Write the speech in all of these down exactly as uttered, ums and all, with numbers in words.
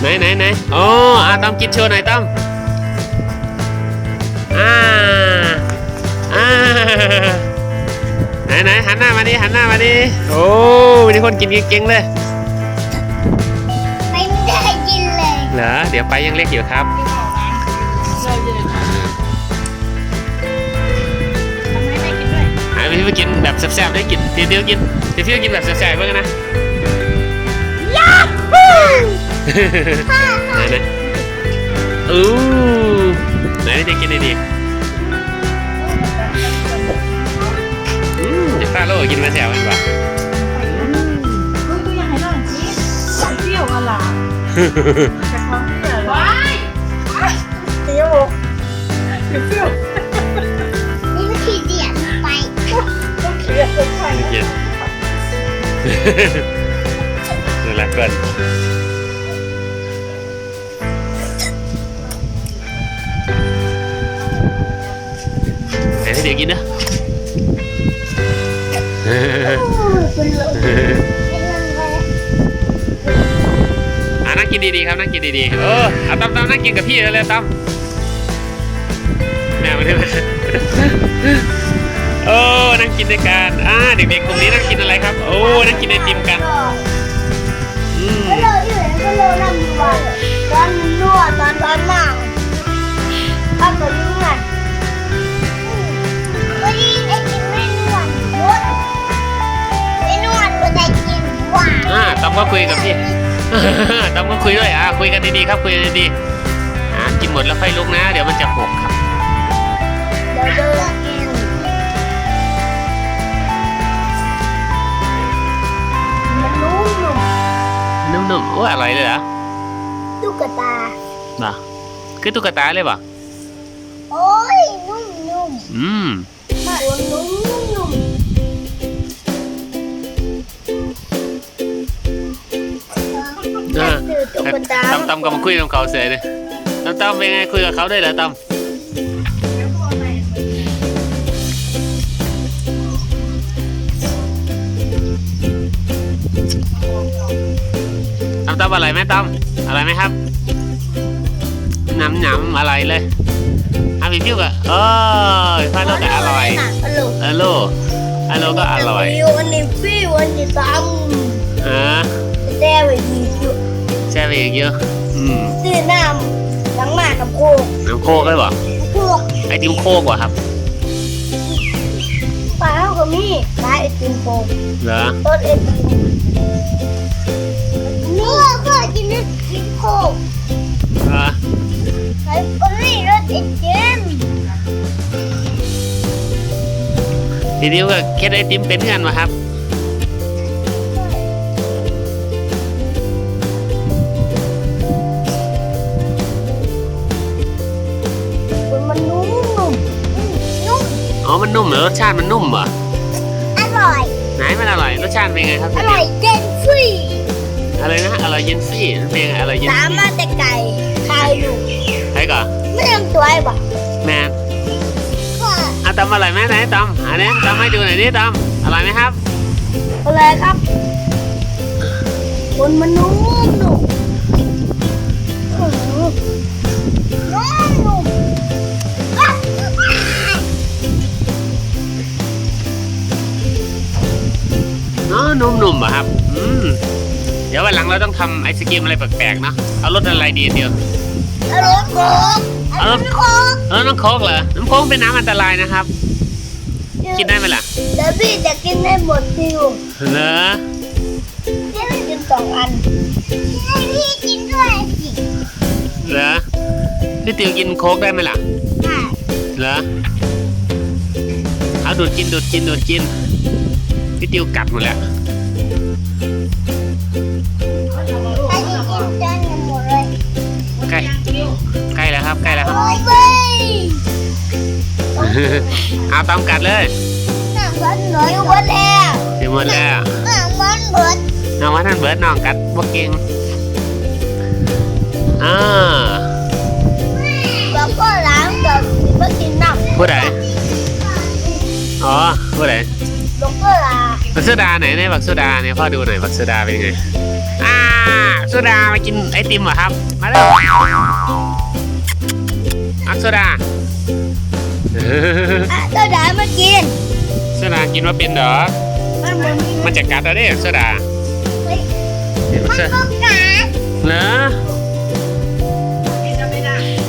ไหนไหนไหนโอ้อาต้อมกินโชว์หน่อยต้อมอ่าอ่าไหนไหนหันหน้ามาดิหันหน้ามาดิโอ้มีคนกินเก่งๆเลยไม่ได้กินเลยเหรอเดี๋ยวไปยังเล็กอยู่ครับหาพี่ไปกินแบบแซ่บๆได้กินทีเดียวกินทีเดียวกินแบบแซ่บๆบ้างนะยาฮูไหนไหนอู้ไหนจะกินดีอืมเดี๋ยวป้าโลกินมาแซ่บกันป่ะคุยก็ยังให้น้องจีเที่ยวอะไรจะท้องเที่ยวว้ายเที่ยวเที่ยวนี่มันขี้เดียดไปต้องเคียร์ต้องใครเย็นนี่แหละก่อนไหนให้เด็กกินนะอ่ะนั่งกินดีๆครับนั่งกินดีๆเออเอาตั้มตั้มนั่งกินกับพี่เลยตั้มแม่มาได้ไหมโอ้นั่งกินด้วยกันอ่าเด็กๆกลุ่มนี้นั่งกินอะไรครับโอ้นั่งกินไอติมกันอืมก็เลยอยู่ก็เลยนั่งดูว่าตอนนวดตอนตอนนั่งตอนแบบนี้ไงวันนี้ไอติมไม่นวดนวดไม่นวดก็ได้กินว่าอ่าตั้มก็คุยกับพี่ตั้มก็คุยด้วยอ่าคุยกันดีๆครับคุยกันดีๆอ่ากินหมดแล้วค่อยลุกนะเดี๋ยวมันจะหกครับเดี๋ยวเดินกินมันนุ่มนุ่มๆโอ้อร่อยเลยเหรอตุ๊กตาบ่าคือตุ๊กตาเลยบ่โอ้ยนุ่มนุ่มอืมตัวนุ่มนุ่มอ่าตั้มตั้มก็มาคุยกับเขาเสร็จเลยตั้มตั้มเป็นไงคุยกับเขาได้เหรอตั้มตั้มตั้มอะไรไหมตั้มอะไรไหมครับหนำหนำอะไรเลยอาพี่พิวก็เออพาโลก็อร่อยอโลอโลก็อร่อยวันนี้พี่วันนี้ตั้มอ่าแช่ไปอีกเยอะแช่ไปอีกเยอะอืมซื้อน้ำล้างหน้ากับโคกน้ำโคกได้ป่ะโคกไอติมโคกว่ะครับปลาเท่ากับมีปลาไอติมโคกเหรอต้นไอติมนี่ก็กินไอติมโคกอ่ะไอ้คนนี้รสไอติมทีนี้ก็แค่ไอติมเป็นกันวะครับมันนุ่มนุ่มนุ่มอ๋อมันนุ่มเหรอรสชาติมันนุ่มเหรออร่อยไหนมันอร่อยรสชาติเป็นไงครับอร่อยเย็นฟรีอะไรนะอร่อยเย็นฟรีมันเป็นไงอร่อยเย็นฟรีสามารถแต่ไก่ไข่อยู่ไข่ก่อนไม่ต้องตัวไอ้บ่แม่อ่ะตำอร่อยไหมไหนตำอันนี้ตำให้ดูหน่อยดิตำอร่อยไหมครับอร่อยครับคนมันนุ่มนุ่มนุ่มนุ่มอ๋อนุ่มๆอ่ะครับอืมเดี๋ยววันหลังเราต้องทำไอศกรีมอะไรแปลกๆเนาะเอารสอะไรดีเดียวเอารสโค้กเอารสโค้กเออน้ำโค้กเหรอน้ำโค้กเป็นน้ำอันตรายนะครับกินได้ไหมล่ะเดี๋ยวพี่จะกินได้หมดทิวเหรอพี่จะกินสองอันให้พี่กินด้วยสิเหรอพี่ติวกินโค้กได้ไหมล่ะได้เหรอเอาดูดกินดูดกินดูดกินพี่ติวกัดหมดแล้วให้พี่กินจนหมดเลยใกล้ใกล้แล้วครับใกล้แล้วครับเอาตามกัดเลยน้ำมันหน่อยหมดแล้วเดี๋ยวหมดแล้วน้ำมันเบิดน้ำมันท่านเบิดน้องกัดพวกเก่งอ่าแล้วก็ล้างกับไม่กินน้ำผู้ใดอ๋อผู้ใดลูกก็ลาบักโซดาไหนเนี่ยบักโซดาเนี่ยพ่อดูหน่อยบักโซดาเป็นยังไงอ่าโซดามากินไอติมเหรอครับมาเร็วมักโซดาอ่ะโซดามากินโซดากินว่าเป็นเหรอมันเหมือนมันจะกัดเราได้โซดาเฮ้ยมันก็กัดเหรอกินจะไม่ได้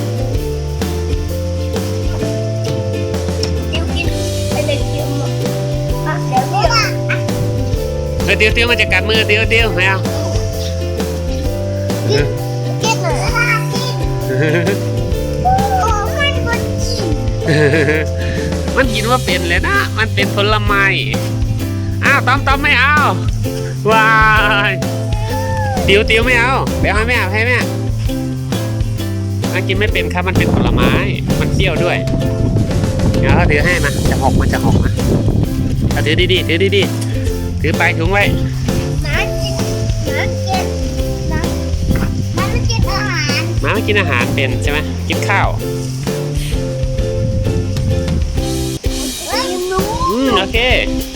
เดี๋ยวกินไอ้เด็กเดี๋ยวมาอ่ะเดี๋ยวเดี๋ยวอ่ะเออเตียวเตียวมันจะกัดมือเตียวเตียวไม่เอากินกินหน่อยอ่ะกินโอ้มันก็กินมันกินว่าเป็นเลยนะ มันเป็นผลไม้อ้าวต้อมต้อมไม่เอาว้ายเตียวเตียวไม่เอาเดี๋ยวให้แม่ให้แม่มันกินไม่เป็นครับมันเป็นผลไม้มันเปรี้ยวด้วยเดี๋ยวเขาถือให้มาจะหกมันจะหกนะเอาถือดีๆถือดีๆถือไปถุงไว้หมากินหมากินหมาหมาไม่กินอาหารหมาไม่กินอาหารเป็นใช่ไหมกินข้าวเฮ้ยหนูอืมโอเคห